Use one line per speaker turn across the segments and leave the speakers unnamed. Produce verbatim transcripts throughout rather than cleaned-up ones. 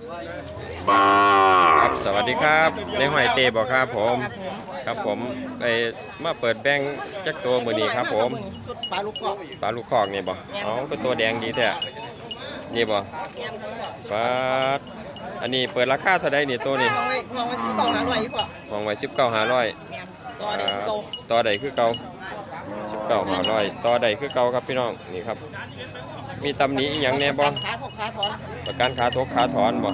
ครับสวัสดีครับในหอยเตบอกครับผมครับผมไปมาเปิดแบงค์จักตัวมือนี้ครับผม
ปลาลูกกรอก
ปลาลูกคอกนี่บ่อ๋อเป็นตัวแดงดีแท้นี่บ่ปลาอันนี้เปิดราคาเท่าใดนี่ตัวนี้
มองไว้มองไว้สิบเก้าหาร้อยอีกป่ะ
มองไว้สิบเก้าห้าร้อย
ต่อเด็กโต
ต่อใดคือเก่าสิบเก้าห้าร้อยต่อใดคือเก่าครับพี่น้องนี่ครับมีตำหนิอีหยังแน่บ่
ขาถกขาถอน
ประกันขาทกขาถอนบ่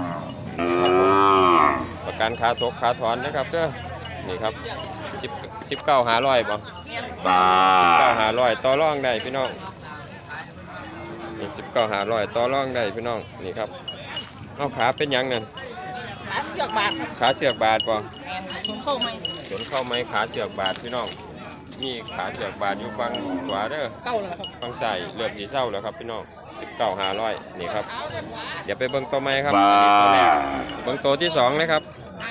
ประกันขาทกขาถอนนะครับเด้อนี่ครับสิบสิบเก้าหาร้อยบ่สิบเก้าหาร้อยต่อรองได้พี่น้องนี่สิบเก้าหาร้อยต่อรองได้พี่น้องนี่ครับเอาขาเป็นยังนั่น
ขาเสือกบาด
ขาเสือกบาดบ่
สนเข้าไหม
สนเข้าไหมขาเสือกบาดพี่น้องนี่ขาเสือกบาดอยู่ฝั่งขวาเด้อ
เก้าแล้วครับ
ฝั่งซ้ายเริ่มสีเศร้าแล้วครับพี่น้องสิบเก้าหาร้อยนี่ครับเดี๋ยวไปเบิ้งตัวใหม่ครับตัวแรกเบิ้งตัวที่สองเลยครับ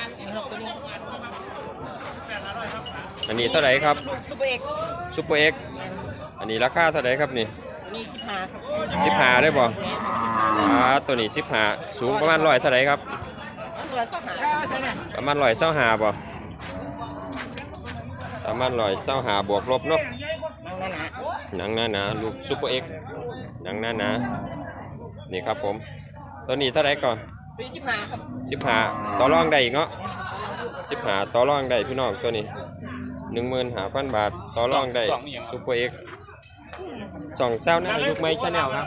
อันนี้เท่าไหร่ครับ
ซุปเปอร์เอ็ก
ซุปเปอร์เอ็กอันนี้ราคาเท่าไหร่ครับนี่
นี่สิบห้าครับ
สิบห้าได้บ่อ่าตัวนี้สิบห้าสูงประมาณร้อยเท่าไหร่ครับประมาณร้อยเศร้าหาบ่ประมาณร้อยเศร้าหาบวกลบเนาะหนังหนาหนาลูกซุปเปอร์เอ็กหนังหนาหนานี่ครับผมตัวนี้เท่าไหร่ก่อน
สิบห้าครับ
สิบห้าต่อรองได้อีกเนาะสิบห้าต่อรองได้พี่น้องตัวนี้หนึ่งหมื่นห้าพันบาทต่อรองได้ซุปเปอร์เอ็กสองเศร้าหน้าลูกไม้ชาแนลครับ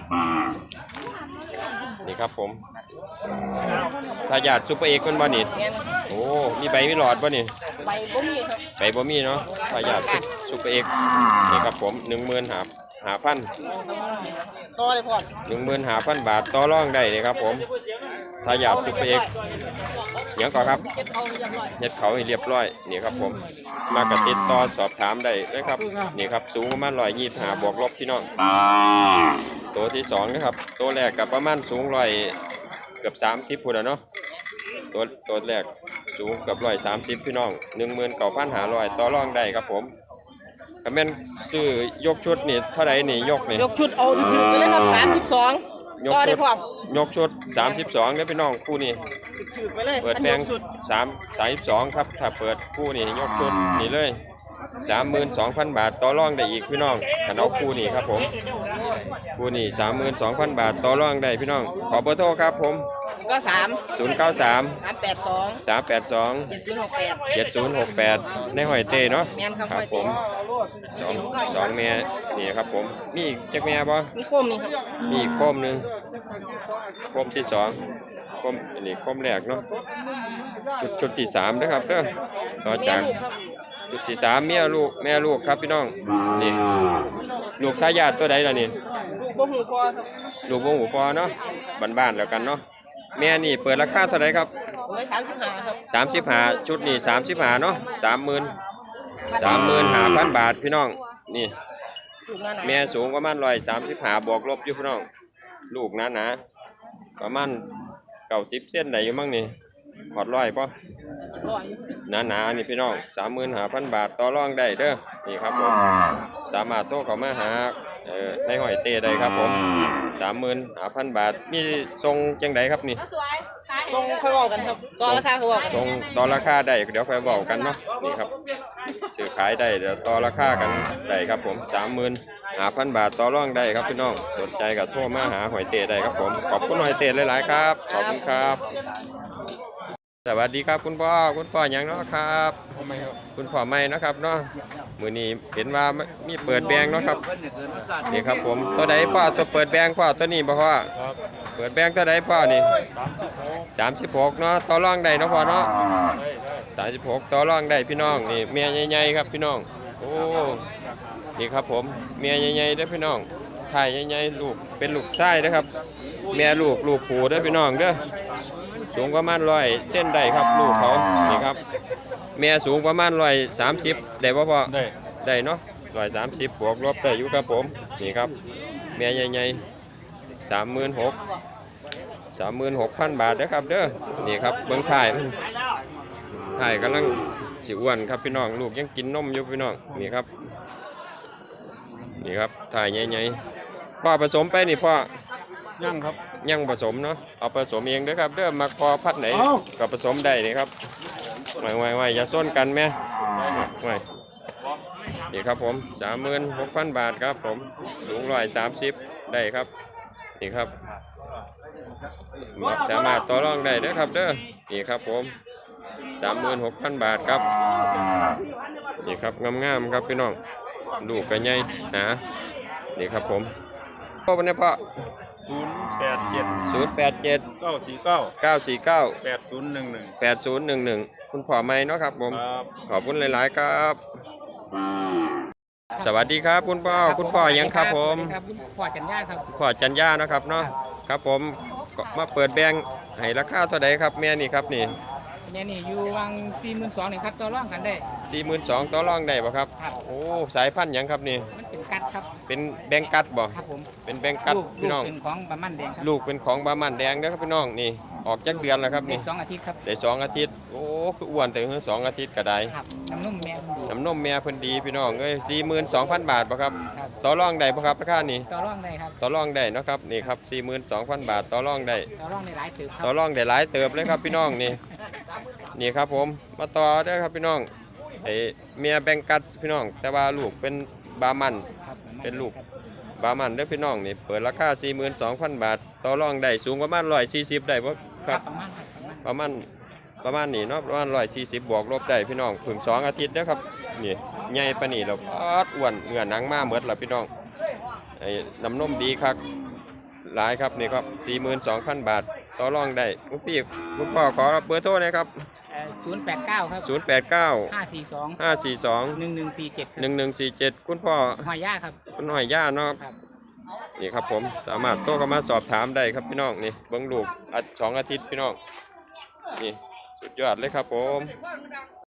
นี่ครับผมทายาทซุปเปอร์เอ็กมันบ่นี่โอ้มีใบมีหลอดบ่นี่
ใบบ่มีครับ
ใบบ่มีเนาะทายาทซุปเปอร์เอ็กนี่ครับผมหนึ่งหมื่นห้าห้าพัน
ต่อเลยพ่อ
หนึ่งหมื่นห้าพันบาทต่อรองได้เลยครับผมทายาทซุปเปอร์เอ็กยังก่อนครับเน็ตเขาให้เรียบร้อยนี่ครับผมมากระติดต่อสอบถามได้เลยครับนี่ครับสูงประมาณร้อยยี่สิบห้าบวกลบพี่น้องตัวที่สองนะครับตัวแรกกับประมาณสูงร้อยเกือบสามสิบพูดเนาะตัวตัวแรกสูงกับร้อยสามสิบพี่น้องหนึ่งหมื่นเก้าพันห้าร้อยต่อรองได้ครับผมคอมเมนต์ซื้อยกชุดนี่เท่าไหร่นี่ยกนี่
ยกชุดเอาถือไปเลยครับสามสิบสอง
ต่อได้พร้อมยกชุดสามสิบสองเนี่ยพี่น้องคู่นี้เปิดแบงสามสามสิบสองครับถ้าเปิดคู่นี้ยกชุดนี่เลยสามหมื่นสองพันบาทต่อรองได้อีกพี่น้องขนมคู่นี้ครับผมคู่นี้สามหมื่นสองพันบาทต่อรองได้พี่น้องขอเบอร์โทรครับผม
ก็สาม
ศูนย์เก้าสาม
สามแปดสอง
สามแปดสอง
เจ็ดศูนย์หกแปด
เจ็ดศูนย์หกแปดในหอยเต้เนาะครับผมสองสองเมียนี่ครับผมมีอีกจักเมียบ่
มีโคมนี่ครับ
มีอีกโคมหนึ่งโคมที่สองโคมอันนี้โคมแรกเนาะชุดชุดที่สามนะครับเด้อต่อจากจุดที่สามเมียลูกแม่ลูกครับพี่น้องนี่ลูกทายาทตัวใดล่ะนี่
ลูกบ่หูพอครับ
ลูกบ่หูพอเนาะบ้านๆแล้วกันเนาะแม่นี่เปิดราคาเท่าไหร่ครับ
สามสิบห้าครับ
สามสิบห้าชุดนี่สามสิบห้าเนาะสามหมื่นสามหมื่นห้าพันบาทพี่น้องนี่แม่สูงประมาณร้อยสามสิบห้าบวกลบอยู่พี่น้องลูกหนาหนาประมาณเก้าสิบเส้นไหนอยู่มั่งนี่หอดร้อยป่ะหนาหนานี่พี่น้องสามหมื่นห้าพันบาทต่อรองได้เด้อนี่ครับผมสามารถโทรเข้ามาหาเอ่อในหอยเต้ได้ครับผมสามหมื่นห้าพันบาทมีทรงจังไดครับนี่
ทรงค่อยบอกกันครับต่อราคาค่อยบอก
ทรงต่อราคาได้เดี๋ยวค่อยบอกกันเนาะนี่ครับซื้อขายได้เดี๋ยวต่อราคากันได้ครับผมสามหมื่นห้าพันบาทต่อรองได้ครับพี่น้องสนใจกับโทรมาหาหอยเต้ได้ครับผมขอบคุณหอยเต้หลายๆครับขอบคุณครับสวัสดีครับคุณพ่อคุณพ่ออย่างเนาะครับคุณพ่อไม่นะครับเนาะมือนี้เห็นว่ามีเปิดแบงเนาะครับนี่ครับผมตัวใดพ่อตัวเปิดแบงพ่อตัวนี้พ่อเปิดแบงตัวใดพ่อนี่สามสิบหกเนาะต่อรองได้เนาะพ่อเนาะสามสิบหกต่อรองได้พี่น้องนี่เมียใหญ่ๆครับพี่น้องโอ้นี่ครับผมเมียใหญ่ๆด้วยพี่น้องถ่ายใหญ่ๆลูกเป็นลูกไส้นะครับเมียลูกลูกผูด้วยพี่น้องเด้อสูงประมาณร้อยเส้นได้ครับลูกเขานี่ครับแม่สูงประมาณร้อยสามสิบได้ป่ะพ่อได้ได้เนาะร้อยสามสิบบวกลบได้อยู่ครับผมนี่ครับแม่ใหญ่ๆสามหมื่นหกสามหมื่นหกพันบาทนะครับเด้อนี่ครับเบิ้งถ่ายมันถ่ายกำลังสิอ้วนครับพี่น้องลูกยังกินนมอยู่พี่น้องนี่ครับนี่ครับถ่ายใหญ่ๆพ่อผสมไปนี่พ่อ
ยังครับ
ยังผสมเนาะเอาผสมเองเด้อครับเด้อมาพอพัดไหนก็ผสมได้นี่ครับไว้ไว้ไว้อย่าส้นกันแม่ไว้นี่ครับผมสามหมื่นหกพันบาทครับผมสูงร้อยสามสิบได้ครับนี่ครับสามารถต่อรองได้เด้อครับเด้อนี่ครับผมสามหมื่นหกพันบาทครับนี่ครับงามๆครับพี่น้องลูกกันใหญ่หนานี่ครับผมพ่อวันนี้พ่อ
ศูนย์แปดเจ็ด
ศูนย์แปดเจ็ด
เก้าสี่เก้า
เก้าสี่เก้า
แปดศูนย์หนึ่งหนึ่ง
แปดศูนย์หนึ่งหนึ่งคุณพ่อไม่เนาะครับผม
ครับ
ขอบคุณหลายๆครับ สวัสดีครับคุณพ่อคุณพ่อยังครับผม
ครับคุณพ่อจันย่าครับ
พ่อจันยาเนาะครับเนาะครับผมก็มาเปิดแบงค์ให้ราคาเท่าใดครับแม่นี่ครับนี่
แม่นี่อยู่วังสี่หมื่นสองนี่ครับต่อรองกันได้
สี่หมื่นสองต่อรองได้บ่ครับ
ครับ
โอ้สายพันธุ์หยังครับนี่
มันเป็นกัดครับ
เป็นแบงกัดบ่
ครับผม
เป็นแบงกัด
ลูก
พี่น้อง
ลูกเป็นของบะมันแดงครับ
ลูกเป็นของบามันแดงเด้อครับพี่น้องนี่ออกจากเดือนแล้วครับ
ได้
นี่
สองอาทิตย์ครับ
ได้สองอาทิตย์โอ้คืออ้วนแต่เพิ่งสองอาทิตย์ก็ได้
ครับน้ำนุ่มแม่มันดี
น้ำนมแม่เพิ่นดีพี่น้องเอ้ยสี่หมื่นสองพันบาทบ่ครับ
ครับ
ต่อรองได้บ่ครับราคานี้
ต่อรองได้ครับ
ต่อรองได้เนาะครับนี่ครับสี่หมื่นสองพันบาทต่อรองได้
ต่อรองในหลายตึกครั
ต่อบ รองได้หลายเติบเลยครับพี่น้องนี่นี่ครับผมมาต่อเด้อครับพี่น้องไอเมียแบงกัดพี่น้อง แต่ว่าลูกเป็นบามัน
ครับบะมั
เป็นลูก
ครับ
บามันเด้อพี่น้องนี่เปิดราคาสี่หมื่นสองพันบาทต่อรองได้สูงประมาณร้อยสี่สิบได้บ่ค
ค
รั
รั
บบ
ประมาณครับประมาณ
ประมาณประมาณนี้เนาะประมาณร้อยสี่สิบบวกลบได้พี่น้องเพิ่งสองอาทิตย์เด้อครับนี่ใหญ่ปานนี้แล้วปอดอ้วนเนื้อหนังมาหมดแล้วพี่น้องไอ้น้ำนมดีคักหลายครับนี่ครับสี่หมื่นสองพันบาทต่อรองได้คุณพี่คุณพ่อขอเบอร์โทรหนะครับ
ศูนย์แปดเก้าครับ
ศูนย์แปดเก้า
ห้าสี่สอง
ห้าสี่สอง
หนึ่งหนึ่งสี่เจ็ด
หนึ่งหนึ่งสี่เจ็ดคุณพ่อ
หอยย่าครับ
คุณหน่อยย่าเนาะครับ
ครับ
นี่ครับผมสามารถโทรเข้ามาสอบถามได้ครับพี่น้องนี่เบิ้งลูกอัดสองอาทิตย์พี่น้องนี่สุดยอดเลยครับผม